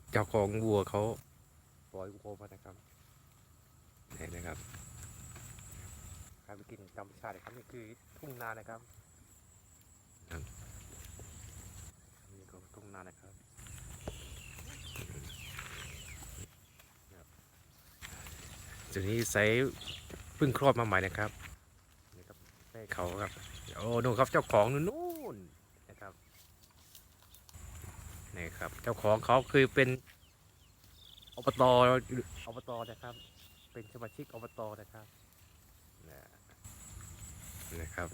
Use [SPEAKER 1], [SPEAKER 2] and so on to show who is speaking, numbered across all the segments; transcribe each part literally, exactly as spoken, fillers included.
[SPEAKER 1] เจ้าของวัวเขาปล่อยวัวมานะครับเห็นนะครับการไปกินธรรมชาตินะครับนี่คือทุ่งนานะครับนี่ก็ทุ่งนานะครับจุดนี้ใส่เพิ่งคลอดมาใหม่นะครับนี่ครับแม่เขาครับโอ้นู่นครับเจ้าของนู่นนะครับนี่ครับเจ้าของเขาคือเป็นอบตอบตนะครับเป็นสมาชิกอบตนะครับนะครับ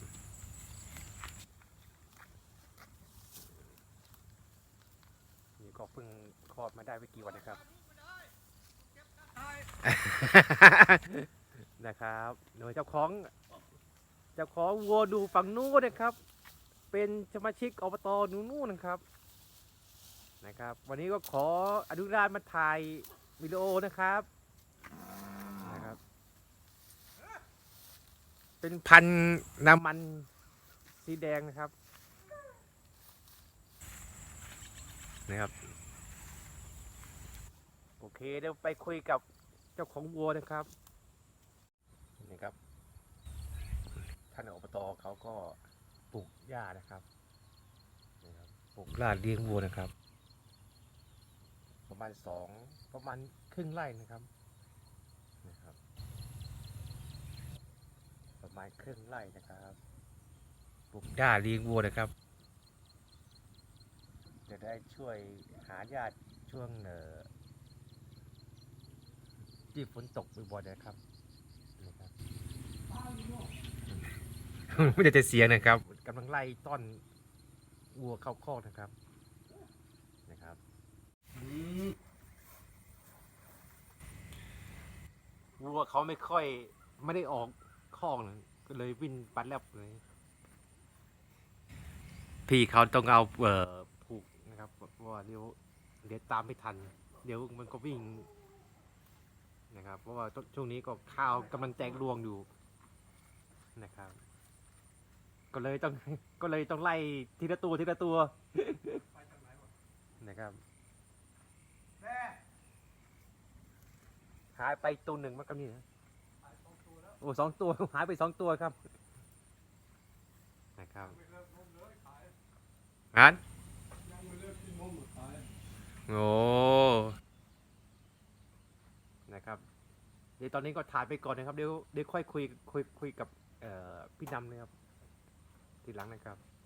[SPEAKER 1] นี่ก็เพิ่งคลอดมาได้ไม่กี่วันนะครับ นะครับหน่วยเจ้าของเจ้าของวัวดูฝั่งนู้นนะครับเป็นสมาชิกอบตนู้นนะครับนะครับวันนี้ก็ขออนุญาตมาถ่ายวิดีโอนะครับนะครับเป็นพันธุ์น้ำมันสีแดงนะครับนะครับโอเคเดี๋ยวไปคุยกับเจ้าของวัวนะครับนี่ครับท่านอบตเขาก็ปลูกหญ้านะครับนะครับปลูกลาดเลี้ยงวัวนะครับประมาณสองประมาณครึ่งไร่นะครับนะครับประมาณครึ่งไร่นะครับปลูกหญ้าเลี้ยงวัวนะครับจะได้ช่วยหาหญ้าช่วงเอ่อที่ฝนตกบ่อยๆนะครับนะครับไม่ได้จะเสียงนะครับกำลังไล่ต้อนวัวเข้าคอกนะครับนะครับวัวเขาไม่ค่อยไม่ได้ออกคอกเลยก็เลยวิ่งปัดแลบเลยพี่เขาต้องเอาเอ่อผูกนะครับเพราะว่าเดี๋ยวเดี๋ยวตามไม่ทันเดี๋ยวมันก็วิ่งนะครับเพราะว่าช่วงนี้ก็ข้าวกำลังแตกรวงอยู่นะครับก็เลยต้องก็เลยต้องไล่ทีละตัวทีละตัวนะครับหายไปตัวหนึ่งมันก็นี่นะโอ้สองตัวหายไปสองตัวครับนะครับอันโอ้นะครับเดี๋ยวตอนนี้ก็ถ่ายไปก่อนนะครับเดี๋ยวเดี๋ยวค่อยคุยคุยคุยกับพี่นำเลยครับทีหลังนะครับ